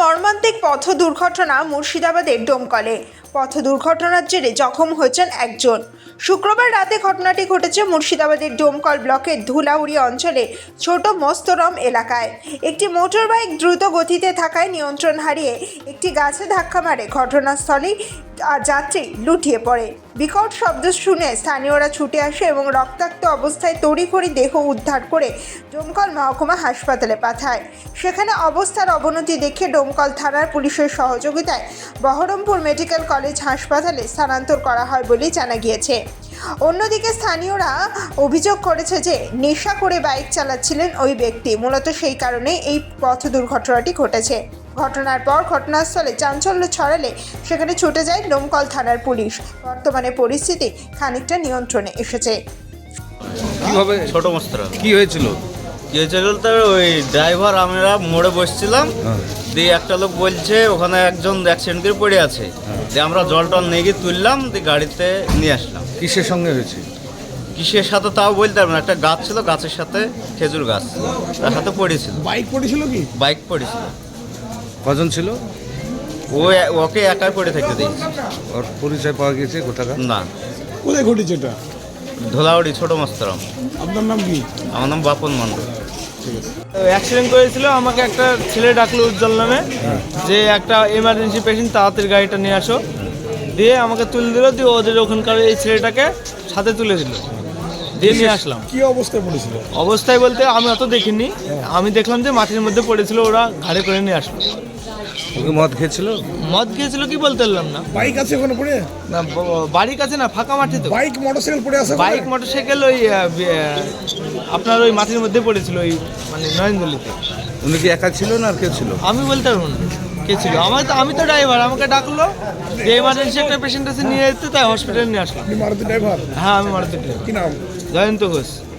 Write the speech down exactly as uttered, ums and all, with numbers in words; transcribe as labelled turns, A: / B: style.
A: মর্মান্তিক পথ দুর্ঘটনা মুর্শিদাবাদের ডোমকলে। পথ দুর্ঘটনার জেরে জখম হয়েছেন একজন। শুক্রবার রাতে ঘটনাটি ঘটেছে মুর্শিদাবাদের ডোমকল ব্লকের ধুলাউড়ি অঞ্চলে ছোট মস্তরম এলাকায়। একটি মোটর বাইক দ্রুত গতিতে থাকায় নিয়ন্ত্রণ হারিয়ে একটি গাছে ধাক্কা মারে। ঘটনাস্থলেই যাত্রী লুটিয়ে পড়ে। বিকট শব্দ শুনে স্থানীয়রা ছুটে আসে এবং রক্তাক্ত অবস্থায় তড়িঘড়ি দেহ উদ্ধার করে ডোমকল মহকুমা হাসপাতালে পাঠায়। সেখানে অবস্থার অবনতি দেখে ডোমকল থানার পুলিশের সহযোগিতায় বহরমপুর মেডিকেল কলেজ হাসপাতালে স্থানান্তর করা হয় বলে জানা গিয়েছে। অন্যদিকে স্থানীয়রা অভিযোগ করেছে যে নেশা করে বাইক চালাচ্ছিলেন ওই ব্যক্তি, মূলত সেই কারণেই এই পথ দুর্ঘটনাটি ঘটেছে। ঘটনার পর ঘটনাস্থলে চাঞ্চল্য ছড়ালে সেখানে ছুটে যায় ডোমকল থানার পুলিশ। বর্তমানে পরিস্থিতি খানিকটা নিয়ন্ত্রণে এসেছে।
B: কিভাবে
C: ছোট মস্তরা
B: কি হয়েছিল?
C: কি হয়েছিল তো ওই ড্রাইভার আমরা মোড়ে বসছিলাম, দিয়ে একটা লোক বলছে ওখানে একজন অ্যাক্সিডেন্ট করে পড়ে আছে, দিয়ে আমরা জল টল নিয়ে গিয়ে তুললাম, দিয়ে গাড়িতে নিয়ে আসলাম।
B: কিসের সঙ্গে হয়েছে?
C: কিসের সাথে তাও বলতে পারবো না, একটা গাছ ছিল, গাছের সাথে খেজুর গাছ, তার সাথে পড়েছিল।
D: বাইক পড়েছিল কি?
C: বাইক পড়েছিল।
B: কজন ছিল?
C: ও ওকে একাই পড়ে থাকতে দিয়েছে।
B: ওর পরিচয় পাওয়া গেছে কোথাকার?
C: না,
D: কোথায় ঘটেছে এটা?
C: ধোলাউড়ি ছোট মস্তরম।
D: আপনার নাম কি?
C: আমার নাম বাপন মণ্ডল।
E: অ্যাক্সিডেন্ট করেছিল, আমাকে একটা ছেলে ডাকলো উজ্জ্বল নামে, যে একটা এমার্জেন্সি পেশেন্ট, তাড়াতাড়ি গাড়িটা নিয়ে আসো। দিয়ে আমাকে তুলে দিল, দিয়ে ওদের ওখানকার এই ছেলেটাকে সাথে তুলে দিল, দিয়ে নিয়ে আসলাম।
D: কি অবস্থায় পড়েছিল?
E: অবস্থায় বলতে আমি অত দেখিনি, আমি দেখলাম যে মাটির মধ্যে পড়েছিল, ওরা ঘাড়ে করে নিয়ে আসলো।
B: ওকে মদ খেয়েছিল?
E: মদ খেয়েছিল কি বলতে পারলাম না।
D: বাইক আছে ওখানে পড়ে?
E: না, ব- বাড়ির কাছে না, ফাঁকা মাঠে তো।
D: বাইক মোটরসাইকেল পড়ে আছে?
E: বাইক মোটরসাইকেল ওই আহ, বি- আহ, আপনার ওই মাটির মধ্যে পড়েছিল, ওই মানে নয়নদলিতে।
B: উনি কি একা ছিল না আর কেউ ছিল?
E: আমি বলতে পারবো না কে ছিল। আমার তো আমি তো ড্রাইভার, আমাকে ডাকলো যে এমার্জেন্সি একটা পেশেন্ট আছে, নিয়ে যেতে, তাই হসপিটালে নিয়ে আসলাম।
D: আপনি মারুতি ড্রাইভার?
E: হ্যাঁ, আমি মারুতি ড্রাইভার।
D: কি নাম?
E: জয়ন্ত ঘোষ।